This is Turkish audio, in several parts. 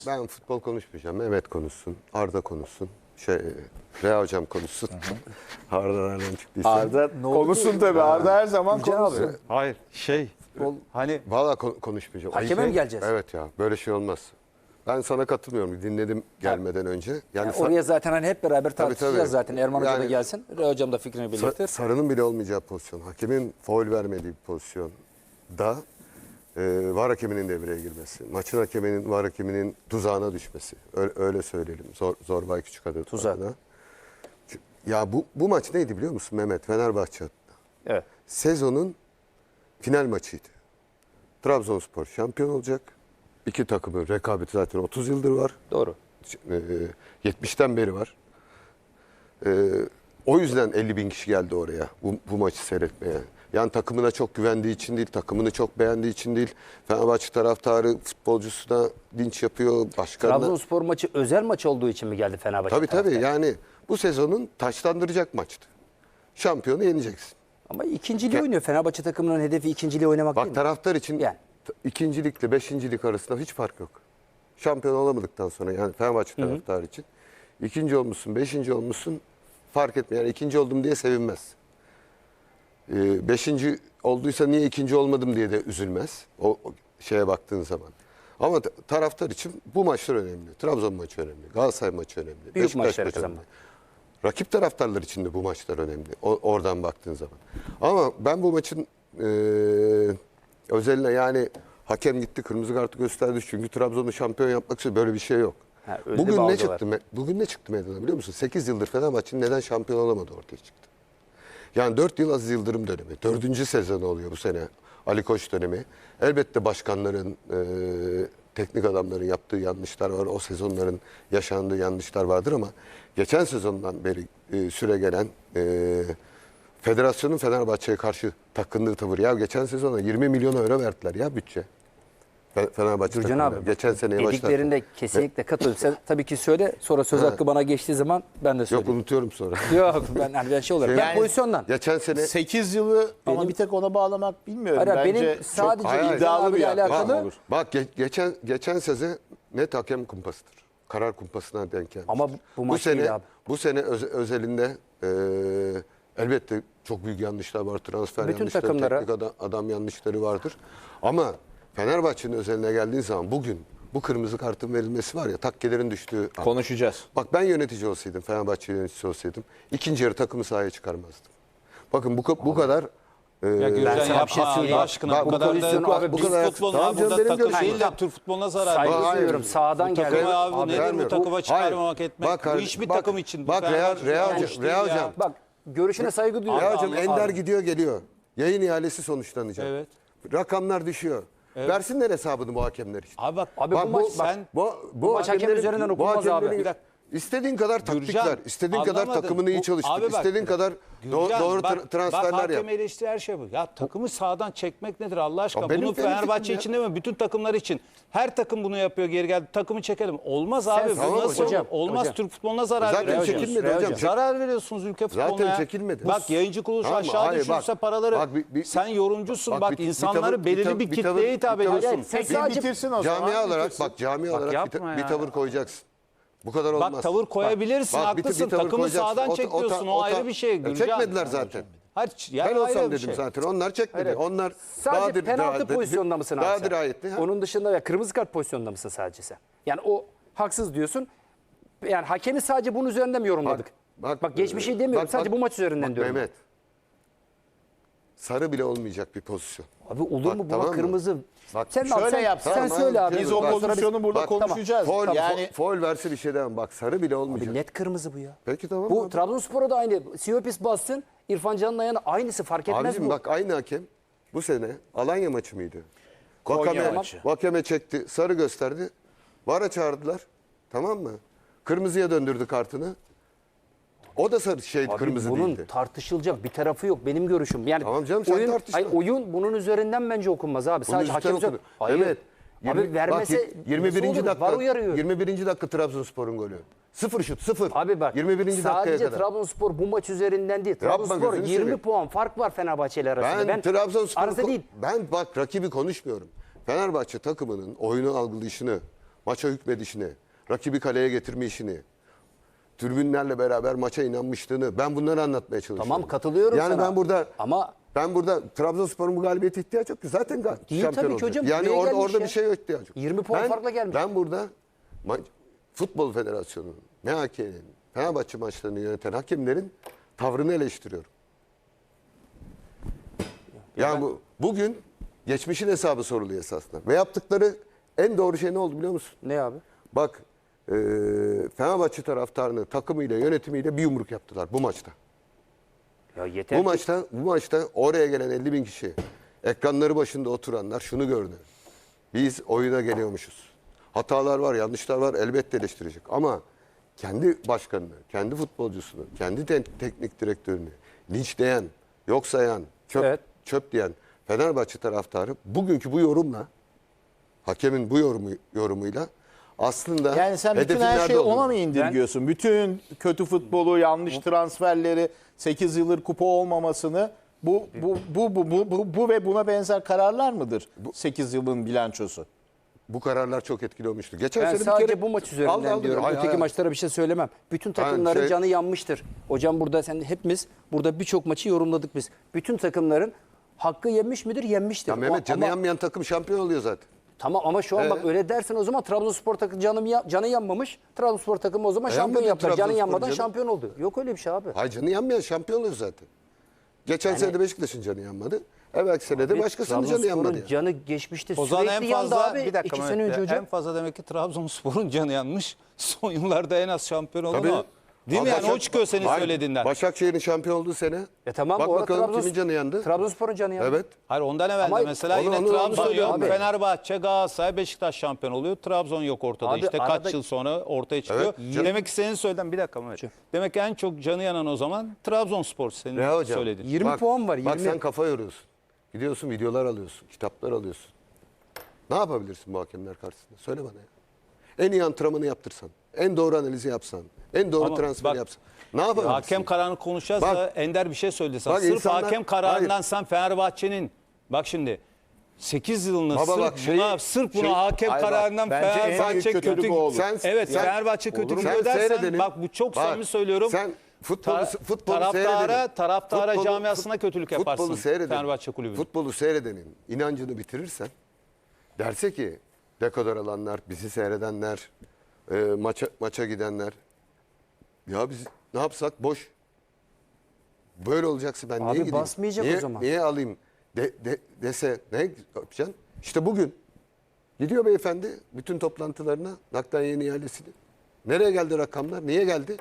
Ben futbol konuşmayacağım. Mehmet konuşsun, Arda konuşsun. Rea hocam konuşsun. Arda nereden çıktıysa. Arda Konuşsun tabii. Arda her zaman konuşsun. Hayır hani Valla konuşmayacağım. Hakeme mi geleceğiz? Evet ya, böyle şey olmaz. Ben sana katılmıyorum. Dinledim gelmeden önce. Yani oraya zaten hani hep beraber tartışacağız tabii. zaten. Erman Hoca da Yani- gelsin. Rea Hocam da fikrini belirtir. Sarının bile olmayacağı pozisyon. Hakemin faul vermediği bir pozisyon da VAR hakeminin devreye girmesi. Maçın hakeminin, VAR hakeminin tuzağına düşmesi. Öyle söyleyelim. Zorbay Küçükadı Tuzak. adına. Ya bu maç neydi biliyor musun Mehmet? Fenerbahçe adına. Evet. Sezonun final maçıydı. Trabzonspor şampiyon olacak. İki takımın rekabeti zaten 30 yıldır var. Doğru. 70'ten beri var. O yüzden 50 bin kişi geldi oraya bu maçı seyretmeye. Yani takımına çok güvendiği için değil, takımını çok beğendiği için değil. Fenerbahçe taraftarı futbolcusuna linç yapıyor, başkanına. Trabzonspor maçı özel maç olduğu için mi geldi Fenerbahçe? Tabii taraftarı? yani bu sezonun taçlandıracak maçtı. Şampiyonu yeneceksin. Ama ikinciliği oynuyor. Fenerbahçe takımının hedefi ikinciliği oynamak değil Bak mi? taraftar için Yani. ikincilikle beşincilik arasında hiç fark yok. Şampiyon olamadıktan sonra yani Fenerbahçe taraftarı için ikinci olmuşsun, beşinci olmuşsun fark etmiyor. Yani ikinci oldum diye sevinmez. Beşinci olduysa niye ikinci olmadım diye de üzülmez. O şeye baktığın zaman. Ama taraftar için bu maçlar önemli. Trabzon maçı önemli. Galatasaray maçı önemli. Büyük Beşiktaş maçları maçı önemli. kazanmak. Rakip taraftarlar için de bu maçlar önemli. Oradan baktığın zaman. Ama ben bu maçın özeline yani hakem gitti kırmızı kartı gösterdi. Çünkü Trabzon'u şampiyon yapmak için böyle bir şey yok. Ha, öyle bir Bugün ne algı çıktı? Bugün ne çıktı meydana biliyor musun? 8 yıldır Fenerbahçe'nin neden şampiyon olamadı ortaya çıktı. Yani 4 yıl Aziz Yıldırım dönemi. 4. sezonu oluyor bu sene. Ali Koç dönemi. Elbette başkanların, teknik adamların yaptığı yanlışlar var. O sezonların yaşandığı yanlışlar vardır ama geçen sezondan beri süre gelen federasyonun Fenerbahçe'ye karşı takındığı tavır. Ya geçen sezona 20 milyon euro verdiler ya bütçe. Fenerbahçe Gürcan takımına. abi, Geçen seneye dediklerinde kesinlikle katılıyorum. Sen tabii ki söyle. Sonra söz hakkı bana geçtiği zaman ben de Yok söyleyeyim. unutuyorum sonra. Yok ben şey olarak. Ben Yani- pozisyondan. Geçen sene 8 yılı ama bir tek ona bağlamak bilmiyorum. Hayır, Bence benim sadece Hayır, hayır. iddialı bir İlhan abiyle yaklaşım alakalı. olur. Bak geçen sezon net hakem kumpasıdır. Karar kumpasına denk gelmiştir. Ama bu maç değil abi. Bu sene özelinde elbette çok büyük yanlışlar var. Transfer Bütün yanlışları, takımlara- teknik adam yanlışları vardır. Ama Fenerbahçe'nin özeline geldiğin zaman bugün bu kırmızı kartın verilmesi var ya takkelerin düştüğü an. Konuşacağız. Bak ben yönetici olsaydım, Fenerbahçe yöneticisi olsaydım ikinci yarı takımı sahaya çıkarmazdım. Bakın bu kadar ya Gürcan sana bir yapma şey Allah söyleyeyim. aşkına Bak, bu bu kadar pozisyonu da abi, bu bu kadar- futbolun Tamam abi canım, burada benim takım görüşüm. değil de Türk futboluna zarar Saygı veriyor. duyuyorum. Sağdan Takımı geldi. abi nedir bu vermiyorum. takıma çıkarmamak etmek? Bu hiçbir takım için. Bak Rea hocam. Bak görüşüne saygı duyuyorum. Rea hocam Abi, Ender abi. gidiyor geliyor. Yayın ihalesi sonuçlanacak. Evet. Rakamlar düşüyor. Versinler hesabını bu hakemler işte. Abi bak, Abi bu maç sen Bu maç hakem hakemlerin- üzerinden bu okunmaz abi. hakemlerin- Bir dakika. İstediğin kadar taktik Gürcan, ver. İstediğin kadar anlamadın. takımını iyi Bu- çalıştır. abi bak, İstediğin kadar Gürcan, doğru bak transferler yap. hakem eleştiri her şey bu. Ya takımı sağdan çekmek nedir Allah aşkına? Ya benim Bunu fikrim Fenerbahçe ya. için değil mi? Bütün takımlar için. Her takım bunu yapıyor geri geldi. Takımı çekelim. Olmaz abi. Tamam Bu nasıl hocam, olur? Olmaz. hocam. Türk futboluna zarar Zaten veriyorsunuz. çekilmedi Rea hocam. hocam. Zarar veriyorsunuz ülke futboluna Zaten ya. çekilmedi. Bak yayıncı kuruluş Tamam, aşağı hayır, düşürse bak, paraları bak, sen yorumcusun. Bak bir insanları tavır- belirli bir bir tavır- kitleye hitap bir tavır- ediyorsun. Sen Peki sadece bitirsin o zaman. Cami olarak bitirsin. bak cami olarak yapma bir ya. tavır koyacaksın. Bu kadar olmaz. Bak tavır koyabilirsin, Bak, haklısın. tavır Takımı koyacaksın. sağdan çekiyorsun, o ayrı bir şey, Gürcan. Çekmediler zaten. Hayır, yani Ben ayrı olsam bir dedim şey. zaten. Onlar çekmedi. Evet. Onlar Sadece penaltı pozisyonunda mısın abi Daha sen? dirayetli. ha? Onun dışında ve kırmızı kart pozisyonunda mısın sadece sen? Yani o haksız diyorsun. Yani hakemi sadece bunun üzerinden mi yorumladık? Bak geçmişi demiyorum. Sadece bu maç üzerinden bak diyorum. Mehmet. Sarı bile olmayacak bir pozisyon. Abi olur Bak, mu buna tamam mı? kırmızı? Bak, Sen şöyle yapsana, sen tamam, söyle abi. Biz o Bak, pozisyonu burada bak, konuşacağız. Foul, Yani foul verse bir şey demem. Bak sarı bile olmayacak. Abi net kırmızı bu ya. Peki tamam Bu abi. Trabzonspor'a da aynı. Siyopis bassın. İrfan Can'ın ayağına aynısı fark etmez Abicim bu. bak aynı hakem bu sene Alanya maçı mıydı? Konya maçı. Vakame çekti, sarı gösterdi. VAR'a çağırdılar. Tamam mı? Kırmızıya döndürdü kartını. O da sarı Abi kırmızı bunun değildi. tartışılacak bir tarafı yok benim görüşüm. Yani Tamam canım, sen tartışma. oyun bunun üzerinden bence okunmaz abi. Bunun Sadece üstten hakem okudu. Hayır. Evet. Abi vermese bak, 21. nasıl olur? dakika. VAR uyarıyor. 21. dakika Trabzonspor'un golü. Sıfır şut, sıfır. Abi bak 21. dakikaya sadece kadar. Trabzonspor bu maç üzerinden değil. Yapma, Trabzonspor gözünü 20 seveyim. puan fark var Fenerbahçe ile arasında. Ben Trabzonspor arası değil. Ben bak rakibi konuşmuyorum. Fenerbahçe takımının oyunu algılayışını, maça hükmedişini, rakibi kaleye getirme işini, tribünlerle beraber maça inanmışlığını ben bunları anlatmaya çalışıyorum. Tamam, katılıyorum yani sana. Ama ben burada Trabzonspor'un bu galibiyete ihtiyaç yok ki. Zaten Değil şampiyon tabii ki olacak. hocam, Yani buraya gelmiş orada ya. bir şey yok ihtiyaç yok. 20 puan farkla gelmiş. Ben burada Futbol Federasyonu'nun, MHK'nin, Fenerbahçe maçlarını yöneten hakemlerin tavrını eleştiriyorum. Bugün geçmişin hesabı soruluyor esasında. Ve yaptıkları en doğru şey ne oldu biliyor musun? Ne abi? Bak Fenerbahçe taraftarını takımıyla yönetimiyle bir yumruk yaptılar bu maçta. Ya yeter Bu ki- maçta oraya gelen 50 bin kişi, ekranları başında oturanlar şunu gördü. Biz oyuna geliyormuşuz. Hatalar var, yanlışlar var, elbette eleştirecek. Ama kendi başkanını, kendi futbolcusunu, kendi teknik direktörünü linçleyen, yok sayan, Evet. çöp diyen Fenerbahçe taraftarı bugünkü bu yorumla, hakemin bu yorumuyla aslında Yani sen bütün hedefin her nerede şeyi ona olduğunu- mı indirgiyorsun? Bütün kötü futbolu, yanlış transferleri, 8 yıldır kupa olmamasını bu ve buna benzer kararlar mıdır? 8 yılın bilançosu. Bu kararlar çok etkili olmuştu. Geçen Ben sene bir sadece kere bu maç üzerinden aldı. diyorum. Hayır, Öteki hayır. maçlara bir şey söylemem. Bütün takımların şey- canı yanmıştır. Hocam burada hepimiz burada birçok maçı yorumladık biz. Bütün takımların hakkı yenmiş midir? Yenmiştir. Ya Mehmet canı Ama- yanmayan takım şampiyon oluyor zaten. Tamam ama şu an bak öyle dersen o zaman Trabzonspor takımı canı yanmamış. Trabzonspor takımı o zaman şampiyon Yanmadı yaptılar. Canı Trabzonspor yanmadan canı. şampiyon oldu. Yok öyle bir şey abi. Hayır canı yanmayan şampiyon oluyor zaten. Geçen sene de Beşiktaş'ın canı yanmadı. Evvelki sene de başkasının canı yanmadı. Trabzonspor'un Yani. canı geçmişti. O zaman Sürekli en yandı fazla abi. bir dakika 2 Mehmet sene önce Bey, hocam. en fazla demek ki Trabzonspor'un canı yanmış. Son yıllarda en az şampiyon olan Tabii. o. Değil mi yani? O çıkıyor senin Hayır, söylediğinden. Başakşehir'in şampiyon olduğu sene. Tamam Bak bu arada bakalım kimin canı yandı. Trabzonspor'un canı yandı. Evet. Hayır ondan evvel Ama de mesela onu- yine onu Trabzon söylüyorum yok. ben. Fenerbahçe, Galatasaray, Beşiktaş şampiyon oluyor. Trabzon yok ortada. Abi işte arada- kaç yıl sonra ortaya çıkıyor. Evet. Demek ki senin söylediğin bir dakika Mehmet. Demek ki en çok canı yanan o zaman Trabzonspor senin Ne hocam? söylediğin. 20 puan var, Bak 20. sen kafa yoruyorsun. Gidiyorsun videolar alıyorsun. Kitaplar alıyorsun. Ne yapabilirsin bu hakemler karşısında? Söyle bana ya. En iyi antrenmanı yaptırsan. En doğru analizi yapsan. En doğru Ama transferi bak, yapsan. Ne yapabilirsin? Hakem kararını konuşacağız Bak- da Ender bir şey söyledi sana. Bak Sırf insanlar- hakem kararından Hayır. sen Fenerbahçe'nin bak şimdi 8 yılını Baba bak sırf buna hakem Hayır bak, kararından bence en büyük Fenerbahçe kötülük kötü o olur. Evet Sen- Fenerbahçe kötü Olur mu? gidiyor Sen dersen seyredelim. bak bu çok Bak, samimi söylüyorum. sen futbolu taraftara seyredelim. camiasına kötülük yaparsın Futbolu seyredelim. Fenerbahçe kulübü. Futbolu seyredenin inancını bitirirsen derse ki dekodor alanlar, bizi seyredenler, maça gidenler ya biz ne yapsak boş. Böyle olacaksa ben Abi niye gideyim? basmayacak o zaman. Niye alayım dese ne yapacaksın? İşte bugün gidiyor beyefendi bütün toplantılarına nakden yeni ihalesini. Nereye geldi rakamlar? Niye geldi?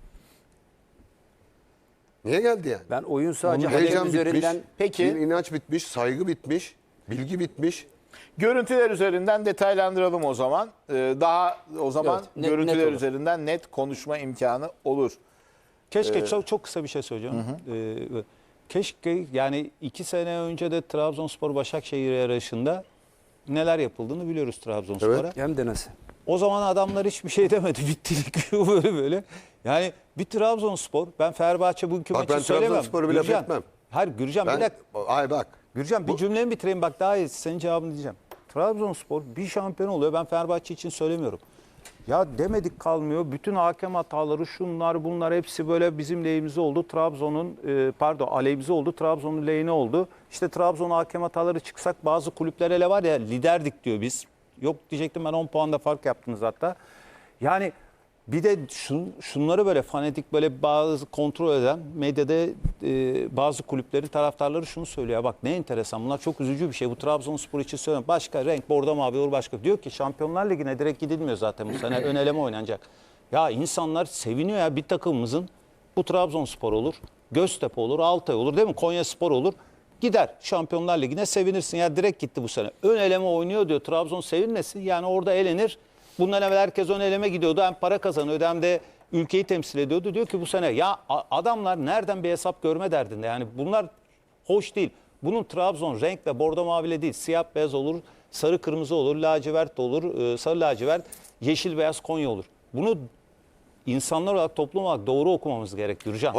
Niye geldi yani? Ben oyun sadece Heyecan hakem bitmiş, üzerinden Peki. bir inanç bitmiş, saygı bitmiş, bilgi bitmiş. Görüntüler üzerinden detaylandıralım o zaman. Daha o zaman Evet, net görüntüler olur. üzerinden net konuşma imkanı olur. Keşke çok kısa bir şey söyleyeceğim. Keşke yani 2 sene önce de Trabzonspor Başakşehir yarışında neler yapıldığını biliyoruz Trabzonspor'a. Evet. hem de nasıl? O zaman adamlar hiçbir şey demedi. Bitti lig böyle. Yani bir Trabzonspor ben Fenerbahçe bugünkü Bak maçı ben söylemem. Trabzonspor'u bir laf Gürcan, etmem. Hayır Gürcan bir dakika. Ay bak. Gürcan bir cümlemi bitireyim bak daha iyi senin cevabını diyeceğim. Trabzonspor bir şampiyon oluyor. Ben Fenerbahçe için söylemiyorum. Ya demedik kalmıyor. Bütün hakem hataları şunlar bunlar hepsi böyle bizim lehimize oldu. Aleyhimize oldu. Trabzon'un lehine oldu. İşte Trabzon hakem hataları çıksak bazı kulüpler hele var ya liderdik diyor biz. Yok diyecektim ben 10 puanda fark yaptınız hatta. Yani bir de şunları böyle fanatik böyle bazı kontrol eden medyada bazı kulüplerin taraftarları şunu söylüyor. Bak ne enteresan bunlar çok üzücü bir şey. Bu Trabzonspor için söylüyorum. Başka renk bordo mavi olur başka. Diyor ki Şampiyonlar Ligi'ne direkt gidilmiyor zaten bu sene. Ön eleme oynanacak. Ya insanlar seviniyor ya bir takımımızın bu Trabzonspor olur, Göztepe olur, Altay olur değil mi? Konyaspor olur. Gider Şampiyonlar Ligi'ne sevinirsin. Ya direkt gitti bu sene. Ön eleme oynuyor diyor. Trabzon sevinmesin. Yani orada elenir. Bundan evvel herkes ön eleme gidiyordu. Hem para kazanıyordu hem de ülkeyi temsil ediyordu. Diyor ki bu sene ya adamlar nereden bir hesap görme derdinde. Yani bunlar hoş değil. Bunun Trabzon renkle bordo maviyle değil. Siyah beyaz olur, sarı kırmızı olur, lacivert de olur, sarı lacivert, yeşil beyaz Konya olur. Bunu insanlar olarak toplum olarak doğru okumamız gerek Gürcan.